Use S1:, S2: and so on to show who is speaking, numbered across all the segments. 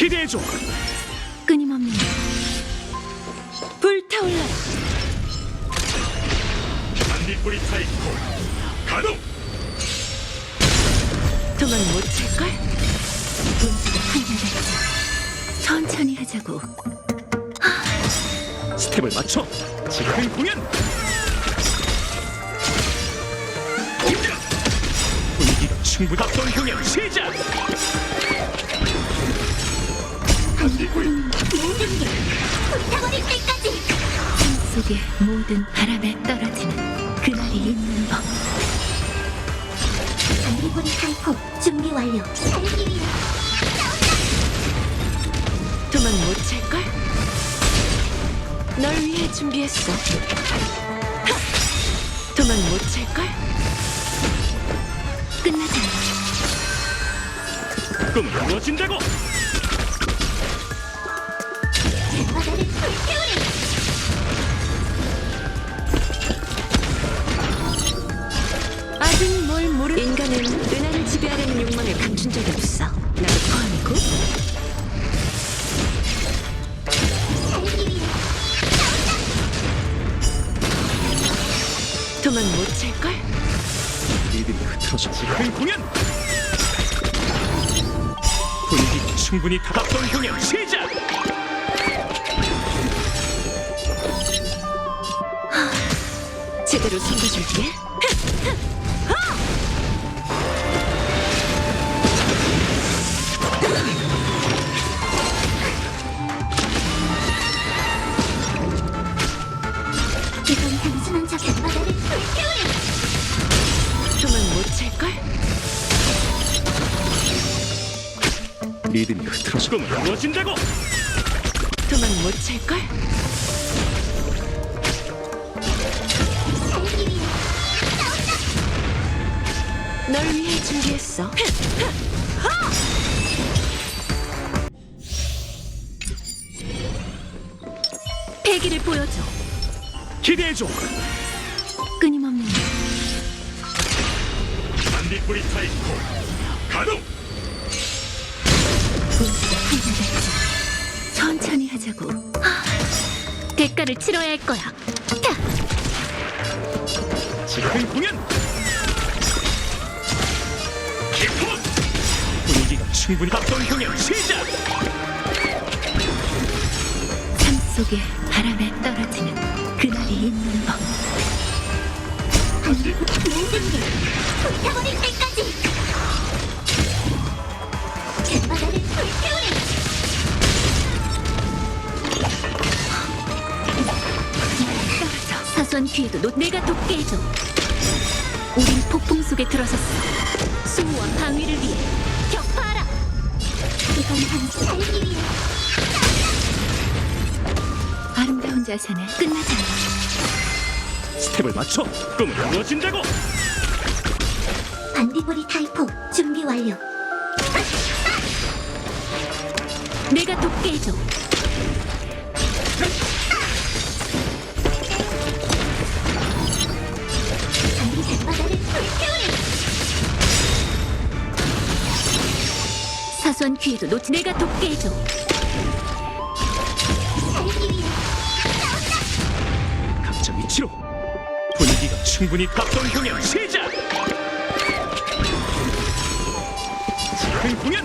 S1: 기대해줘.
S2: 끊임없는 불타올라라.
S1: 반딧불이 타이코 가동.
S2: 도망 못 찰걸? 분수가 한결같이 천천히 하자고.
S1: 스텝을 맞춰. 지금 공연. 분위기가 충분히 합동 공연 시작. 반딧불이
S2: 모든 게 불타버릴 때까지. 삶 속의 모든 바람에 떨어지는 그날이 있는 법.
S3: 반딧불이 타이포 준비 완료. 살기 위해
S2: 도망 못 찰걸? 널 위해 준비했어. 도망 못 찰걸? 끝나지 않아.
S1: 꿈은 이루어진다고.
S3: 바다를 불태우리.
S2: 아직 뭘 모르. 인간은 은하를 지배하려는 욕망을 감춘 적이 없어. 나도 포함이고.
S3: 살기 위해
S2: 도망 못 찰걸?
S1: 리듬이 흐트러져. 지금 공연. 분위기가 충분히 합동 공연 시작.
S2: 제대로 챙겨줄게.
S3: 이건 단순한 작전. 바다를 불태우리.
S2: 도망 못 찰걸?
S1: 리듬이 흐트러져. 꿈은 이루어진다고.
S2: 도망 못 찰걸?
S3: 살기 위해
S2: 널 위해 준비했어. 패기를 보여줘.
S1: 기대해줘.
S2: 끊임없는
S1: 반딧불이 타이코 가동.
S2: 분수가 한결같이 천천히 하자고. 대가를 치러야 할 거야. 타!
S1: 지금 공연. 기쁨. 분위기가 충분히 합동 공연 시작.
S2: 삶 속의 바람에 떨어지는 그날이 있는 법.
S3: 모든 게 불타버릴 때까지. 바다를 불태우리.
S2: 떨어져. 사소한 기회도 내가 돕게 해줘. 우린 폭풍 속에 들어섰어. 수호와 방위를 위해 격파하라.
S3: 이건 단순 살기 위해
S2: 아름다운 자세는 끝나지 않아.
S1: 스텝을 맞춰. 꿈은 이루어진다고.
S3: 반딧불이 타이포 준비 완료.
S2: 내가 돕게 해줘.
S3: 바다를 불태우리.
S2: 사소한 기회도 놓치. 내가 돕게 해줘.
S3: 살기 위해
S1: 각자 위치로. 분위기가 충분히 합동 공연 시작. 지금 공연.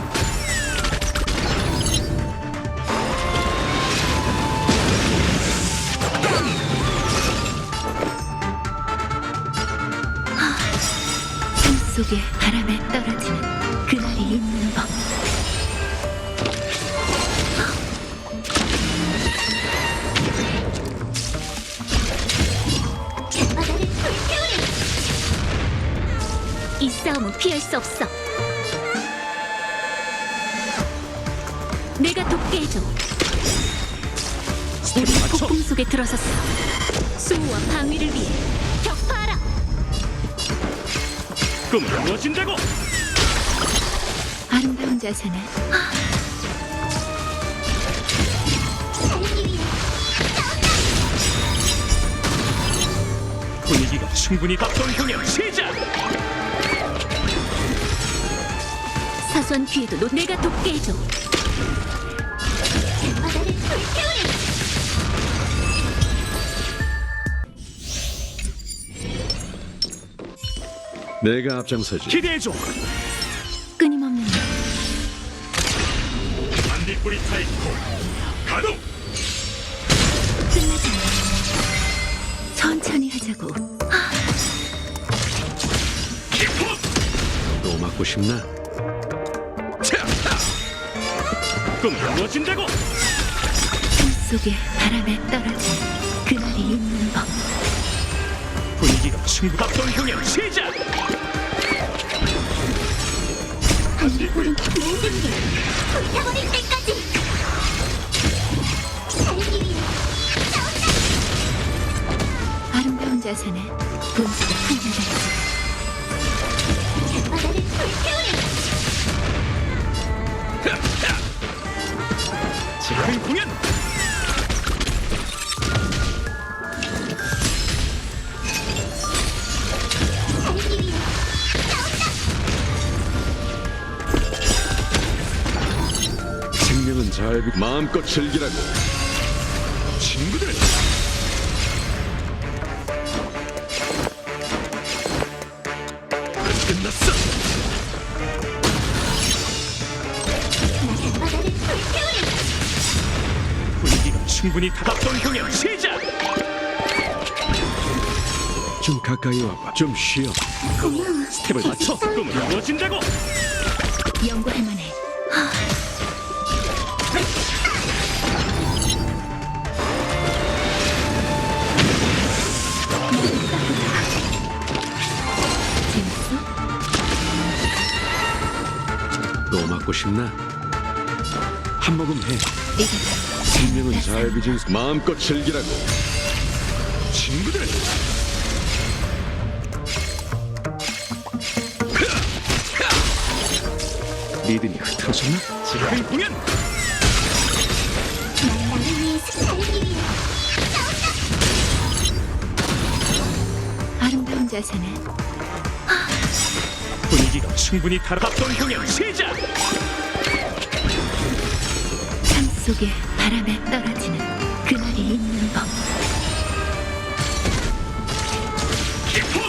S2: 삶 속의 바람에 떨어지는 그날이 있는 법.
S3: 바다를 불태우리.
S2: 이 싸움은 피할 수 없어. 내가 돕게 해줘. 우리
S1: 스텝을 맞춰.
S2: 폭풍 속에 들어섰어. 수호와 방위를 위해 격파하라.
S1: 꿈은 이루어진다고.
S2: 아름다운 자세는
S3: 살기 위해
S1: 분위기가 충분히 합동 공연 시작.
S2: 사소한 기회도 내가 돕게 해줘.
S4: 내가 앞장서지.
S1: 기대해줘.
S2: 끊임없는
S1: 반딧불이 타이코 가동.
S2: 끝나지 않아. 천천히 하자고.
S1: 기포.
S4: 또 맞고 싶나?
S1: 꿈을 이루어진다고.
S2: 삶 속에 바람에 떨어진 그날이 있는 법.
S1: 분위기가 충분. 합동 공연 시작.
S3: 반딧불은 모든 게 불타버릴 때까지 살기 위해 싸운다.
S2: 아름다운 자세는 본성이 풍부하지.
S3: 바다를 불태우리.
S1: 즉흥 공연.
S3: 살기 위해
S4: 생명은 잘 마음껏 즐기라고.
S1: 친구들. 끝났어.
S3: 바다를 불태우리.
S1: 분위기가 충분히 합동 공연 시작.
S4: 좀 가까이 와봐. 좀 쉬어.
S3: 고마워.
S1: 스텝을 맞춰. 꿈을 이루어진다고.
S2: 연구할 만해. 재밌어?
S4: 또 맞고 싶나? 한 모금 해.
S2: 이게
S4: 생명은 잘 빚은 마음껏 즐기라고.
S1: 친구들.
S4: 리듬이 흐트러졌나?
S1: 즉흥 공연.
S3: 난 나를 위해 살기 위해
S2: 아름다운 자세는
S1: 분위기가 충분히 합동 공연 시작.
S2: 삶 속에 바람에 떨어지는 그날이 있는 법.
S1: 기포.